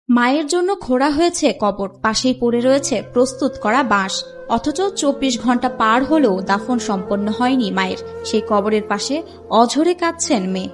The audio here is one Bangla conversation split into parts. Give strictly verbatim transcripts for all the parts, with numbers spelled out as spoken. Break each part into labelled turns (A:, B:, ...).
A: মায়ের জন্য খোঁড়া হয়েছে কবর, পাশেই পড়ে রয়েছে প্রস্তুত করা বাঁশ। অথচ চব্বিশ ঘন্টা পার হলেও দাফন সম্পন্ন হয়নি মায়ের। সেই কবরের পাশে অঝরে কাঁদছেন মেয়ে।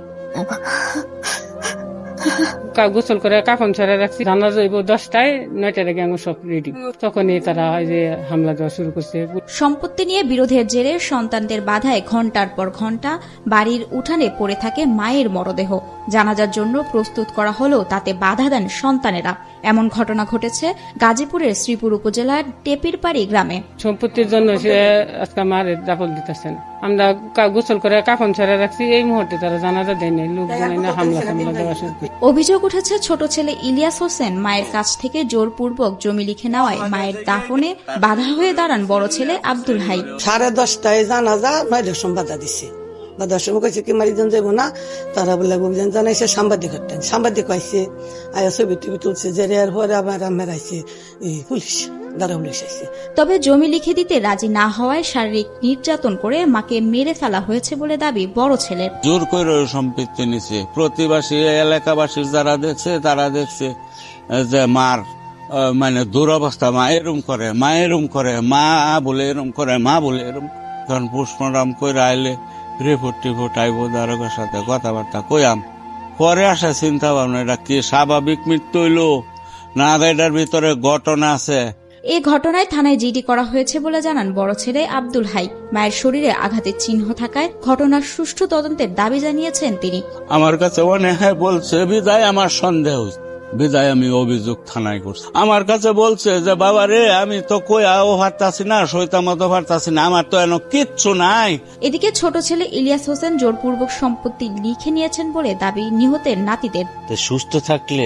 B: গোসল করে কাফন ছড়া রাখছি, জানা যাইব দশটায়, নয়টার আগে আমার সব রেডি। তখনই তারা যে হামলা দেওয়া শুরু করছে।
A: সম্পত্তি নিয়ে বিরোধের জেরে সন্তানদের বাধায় ঘন্টার পর ঘন্টা বাড়ির উঠানে পড়ে থাকে মায়ের মরদেহ। জানাজার জন্য প্রস্তুত করা হলেও তাতে বাধা দেন সন্তানেরা। এমন ঘটনা ঘটেছে গাজীপুরের শ্রীপুর উপজেলার টেপিরপাড়ি গ্রামে।
B: সম্পত্তির জন্য সে আজকে আমার দাফন দিতেছে না। আমরা গোসল করে কাফন ছড়া রাখছি, এই মুহূর্তে তারা জানাজা দেয় নাই, লোক জানাই না, হামলা হামলা দেওয়া শুরু করে।
A: অভিযোগ উঠেছে ছোট ছেলে ইলিয়াস হোসেন মায়ের কাছ থেকে জোরপূর্বক জমি লিখে নেওয়ায় মায়ের দাফনে বাধা হয়ে দাঁড়ান বড় ছেলে আব্দুল হাই।
C: সাড়ে দশটায় জানাজা, নয় দশম বাধা দিছে। বা দশম কইছে কি মারিজন যাবো না, তারা বলে অভিযান জানাইছে, সাংবাদিক হতেন, সাংবাদিক আইসে, আয়া ছবি টবি তুলছে, যে এর পরে আবার আমার আইসে পুলিশ, দাঁড়া পুলিশ আইসে।
A: তবে জমি লিখে দিতে রাজি না হওয়ায় শারীরিক নির্যাতন করে মাকে মেরে ফেলা হয়েছে বলে দাবি বড় ছেলের।
D: জোর করে সম্পত্তি নিছে। প্রতিবাসী এলাকাবাসী যারা দেখছে তারা দেখছে যে মার মানে দুরবস্থা, মা এরম করে, মা এরম করে, মা বলে এরম করে, মা বলে এরম। কারণ পুষ্পরাম কই আইলে রিপোর্ট টিপোর্ট আইব, দারোগার সাথে কথাবার্তা কইয়াম, পরে আসা চিন্তা ভাবনা এটা কি স্বাভাবিক মৃত্যু হইলো না এটার ভিতরে ঘটনা আছে।
A: এ ঘটনায় থানায় জিডি করা হয়েছে বলে জানান বড় ছেলে আব্দুল হাই। মায়ের শরীরে আঘাতের চিহ্ন থাকায় ঘটনার সুষ্ঠু তদন্তের দাবি জানিয়েছেন তিনি।
D: আমার কাছে অনেক বলছে বিদায় আমার সন্দেহ, বিদায় আমি অভিযোগ থানায় করছি। আমার কাছে বলছে যে বাবা রে, আমি তো কইয়াও পারতাছি না, সইতামতো পারতাছি না, আমার তো এন কিচ্ছু নাই।
A: এদিকে ছোট ছেলে ইলিয়াস হোসেন জোরপূর্বক সম্পত্তি লিখে নিয়েছেন বলে দাবি নিহতের নাতিদের।
E: সুস্থ থাকলে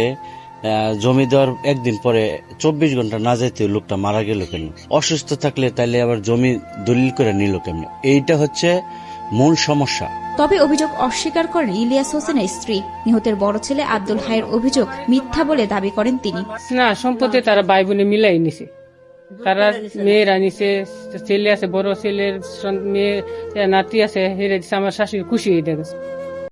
E: জমি দেওয়ার একদিন পরে চব্বিশ ঘন্টা না যেতে লোকটা মারা গেল কেন? অসুস্থ থাকলে তাইলে আবার জমি দলিল করে নিল কেন? এইটা হচ্ছে মূল সমস্যা।
A: তবে অভিযোগ অস্বীকার করেন ইলিয়াস হোসেনের স্ত্রী। নিহতের বড় ছেলে আব্দুল হাইয়ের অভিযোগ মিথ্যা বলে দাবি করেন তিনি।
B: না, সম্পত্তি তারা ভাই বোনে মিলাই নিছে, তারা মেয়েরা নিছে, ছেলে আছে, বড় ছেলের মেয়ে নাতি আছে, হেরে দিচ্ছে। আমার শাশুড়ি খুশি হয়ে গেছে।